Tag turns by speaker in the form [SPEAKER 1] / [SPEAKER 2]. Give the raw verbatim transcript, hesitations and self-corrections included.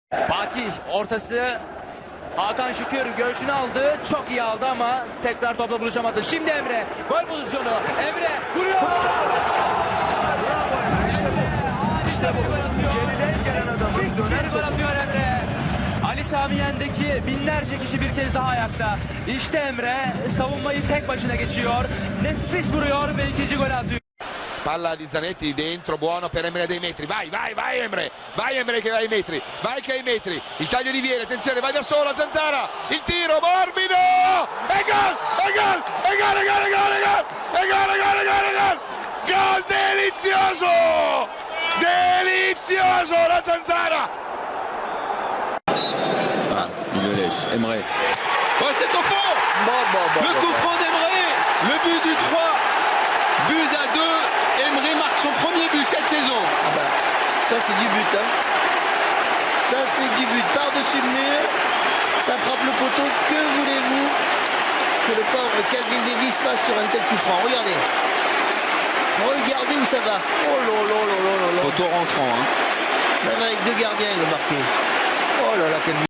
[SPEAKER 1] Fatih ortası, Hakan Şükür göğsünü aldı, çok iyi aldı ama tekrar topla buluşamadı. Şimdi Emre, gol pozisyonu, Emre vuruyor.
[SPEAKER 2] İşte bu. İşte bu. Geriden gelen adamın döner
[SPEAKER 1] Bir gol atıyor Emre. Ali Sami Yen'deki binlerce kişi bir kez daha ayakta. İşte Emre savunmayı tek başına geçiyor. Nefis vuruyor ve ikinci gol atıyor.
[SPEAKER 3] Palla di Zanetti dentro, buono per Emre dei metri, vai, vai, vai Emre, vai Emre che vai ai metri, vai che hai metri, il taglio di Vieri, attenzione, vai da sola, Zanzara, il tiro, morbido, e gol, e gol, e gol, e gol, e gol, e gol, e gol, e gol, e gol, e gol, gol delizioso, delizioso la Zanzara.
[SPEAKER 4] Ah, il laisse, Emre. Oh, c'est au fond.
[SPEAKER 2] Bon, bon, bon,
[SPEAKER 4] Le
[SPEAKER 2] bon,
[SPEAKER 4] coup
[SPEAKER 2] bon.
[SPEAKER 4] franc d'Emre, le but du trois, buts à deux. Emre marque son premier but cette saison.
[SPEAKER 5] Ah bah, ça c'est du but, hein. Ça c'est du but, par-dessus le mur, ça frappe le poteau, que voulez-vous que le pauvre Calvin Davis fasse sur un tel coup franc? Regardez, regardez où ça va. Oh là là là là là là.
[SPEAKER 4] Poteau rentrant, hein.
[SPEAKER 5] Même avec deux gardiens il l'a marqué. Oh là là, quel